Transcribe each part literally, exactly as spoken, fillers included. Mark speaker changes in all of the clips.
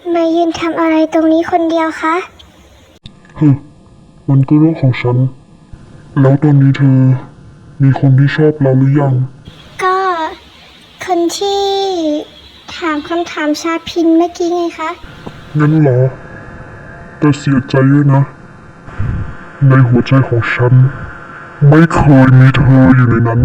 Speaker 1: มายืนทำอะไรตรงนี้คนเดียวคะ
Speaker 2: ฮึมันก็เรื่องของฉัน แล้วตอนนี้เธอ มีคนที่ชอบเราหรือยัง
Speaker 1: ก็คนที่ถามคำถามชาพินเมื่อกี้ไงคะ
Speaker 2: งั้นเหรอ แต่เสียใจด้วยนะ ในหัวใจของฉัน ไม่เคยมีเธออยู่ในนั้น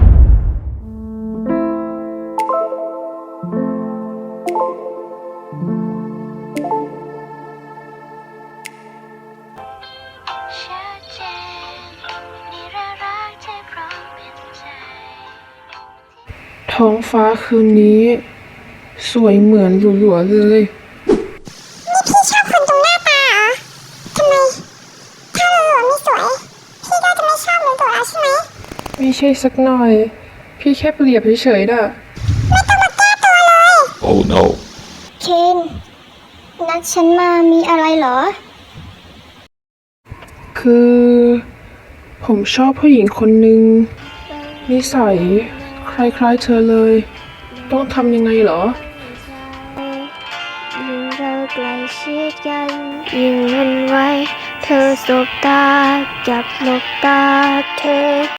Speaker 3: ท้องฟ้าคืนนี้ สวยเหมือนหลัวๆเลย
Speaker 1: นี่พี่ชอบคนตรงหน้าตาเหรอทำไม ถ้าเราหล่อไม่สวย พี่ก็จะไม่ชอบเหมือนตัวเราใช่ไหม
Speaker 3: ไม่ใช่สักหน่อย พี่แค่เปรียบเฉยๆน่ะ
Speaker 1: ไม่ต้องมาแก้ตัวเลย
Speaker 2: Oh no
Speaker 1: เคนนัดฉันมามีอะไรเหรอ
Speaker 3: คือ ผมชอบผู้หญิงคนหนึ่งนิสัยคล้ายๆเธอเลย ต้องทำยังไงเหรอ
Speaker 1: ยิ่งเราใกล้ชิดกันยิ่งมันไวเธอสบตาจับหลบตาเธอ